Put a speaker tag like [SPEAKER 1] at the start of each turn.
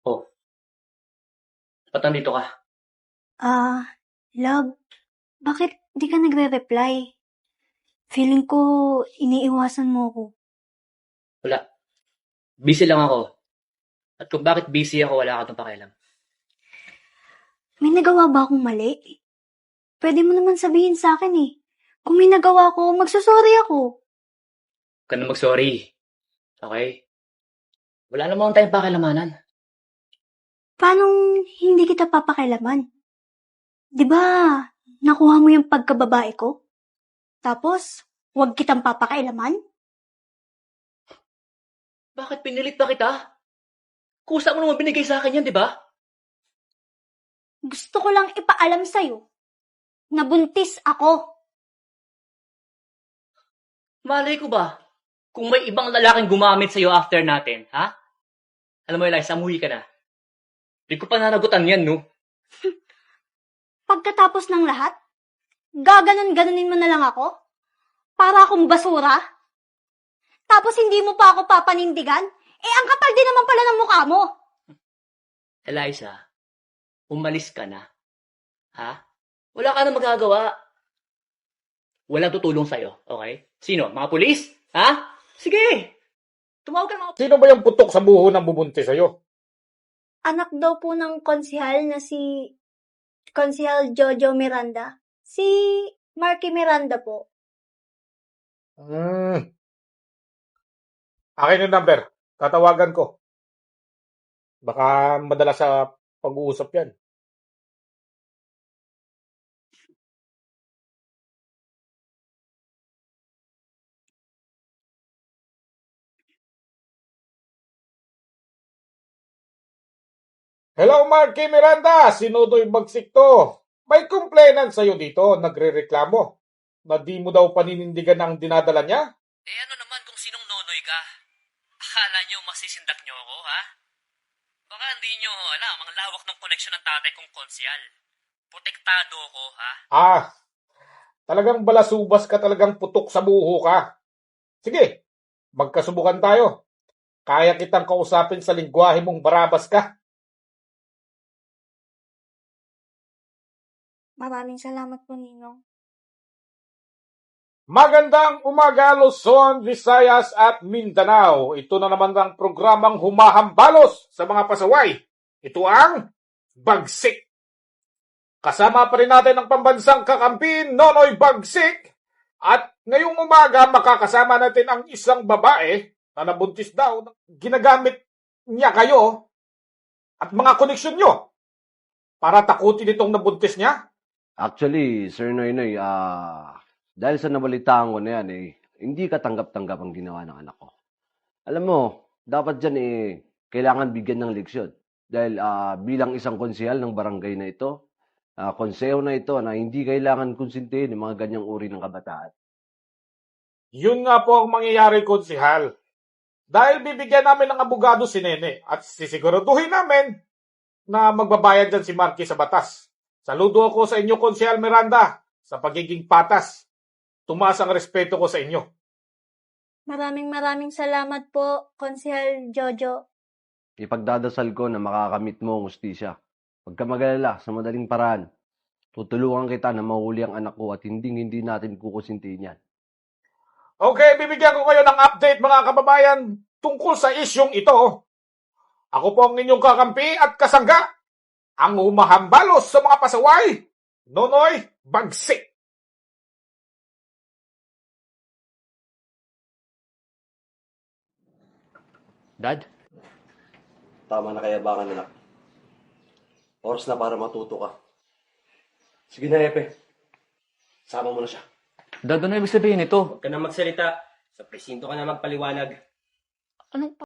[SPEAKER 1] Oh, ba't nandito ka?
[SPEAKER 2] Love, bakit di ka nagre-reply? Feeling ko iniiwasan mo ko.
[SPEAKER 1] Wala. Busy lang ako. At kung bakit busy ako, wala ka itong pakialam.
[SPEAKER 2] May nagawa ba akong mali? Pwede mo naman sabihin sa akin eh. Kung may nagawa ko, magsasorry ako.
[SPEAKER 1] Huwag ka na mag-sorry. Okay? Wala namang tayong pakilamanan.
[SPEAKER 2] Paano hindi kita papakilaman? Di ba, nakuha mo yung pagkababae ko? Tapos, wag kitang papakailaman?
[SPEAKER 1] Bakit pinilit pa kita? Kusa mo naman binigay sa akin yan, di ba?
[SPEAKER 2] Gusto ko lang ipaalam sa'yo na buntis ako.
[SPEAKER 1] Malay ko ba? Kung may ibang lalaking gumamit sa'yo after natin, ha? Alam mo, Eliza, umuwi ka na. Di ko pa nanagutan yan, no?
[SPEAKER 2] Pagkatapos ng lahat, gaganon-ganonin mo na lang ako? Para akong basura? Tapos hindi mo pa ako papanindigan? Ang kapal din naman pala ng mukha mo.
[SPEAKER 1] Eliza, umalis ka na. Ha? Wala ka na magagawa. Walang tutulong sa'yo, okay? Sino? Mga pulis? Ha? Sige! Tumawag ka ng mga...
[SPEAKER 3] Sino ba yung putok sa buho ng bubuntis sa'yo?
[SPEAKER 2] Anak daw po ng konsihal na si Konsihal Jojo Miranda. Si Marky Miranda po.
[SPEAKER 3] Akin yung number. Tatawagan ko. Baka madala sa pag-uusap yan. Hello, Marky Miranda! Sinudoy bagsik to. May complainant sa'yo dito. Nagre-reklamo na di mo daw paninindigan ang dinadala niya?
[SPEAKER 1] Eh ano naman kung sinong nonoy ka? Akala nyo masisindak nyo ako, ha? Baka hindi nyo alam ang lawak ng koneksyon ng tatay kong konsyal. Protektado ako, ha?
[SPEAKER 3] Talagang balasubas ka, talagang putok sa buho ka. Sige, magkasubukan tayo. Kaya kitang kausapin sa lingwahe mong barabas ka.
[SPEAKER 2] Maraming salamat po, Ninong.
[SPEAKER 3] Magandang umaga, Luzon, Visayas at Mindanao. Ito na naman ang programang humahambalos sa mga pasaway. Ito ang Bagsik. Kasama pa rin natin ang pambansang kakampi, Nonoy Bagsik. At ngayong umaga, makakasama natin ang isang babae na nabuntis daw. Ginagamit niya kayo at mga koneksyon nyo para takutin itong nabuntis niya.
[SPEAKER 4] Actually, Sir Noynoy, dahil sa nabalitaan ko na yan, hindi katanggap-tanggap ang ginawa ng anak ko. Alam mo, dapat dyan kailangan bigyan ng leksyon. Dahil bilang isang konsehal ng barangay na ito, konseho na ito na hindi kailangan konsintihin ng mga ganyang uri ng kabataan.
[SPEAKER 3] Yun nga po ang mangyayari, konsehal. Dahil bibigyan namin ng abogado si Nene at sisiguraduhin namin na magbabayad dyan si Marky sa batas. Saludo ako sa inyo, Konsehal Miranda, sa pagiging patas. Tumaas ang respeto ko sa inyo.
[SPEAKER 2] Maraming salamat po, Konsihal Jojo.
[SPEAKER 4] Ipagdadasal ko na makakamit mo ang ustisya. Huwag ka mag-alala, sa madaling paraan. Tutulungan kita na mahuli ang anak ko at hindi natin kukusintihin yan.
[SPEAKER 3] Okay, bibigyan ko kayo ng update, mga kababayan, tungkol sa isyong ito. Ako po ang inyong kakampi at kasangga, ang humahambalos sa mga pasaway, Nonoy Bagsik.
[SPEAKER 1] Dad?
[SPEAKER 4] Tama na kayabangan, anak. Oras na para matuto ka. Sige na, Epe. Sama mo na siya.
[SPEAKER 1] Dad, ano ibig sabihin ito?
[SPEAKER 5] Huwag ka na magsalita. Sa presinto ka na magpaliwanag.
[SPEAKER 1] Anong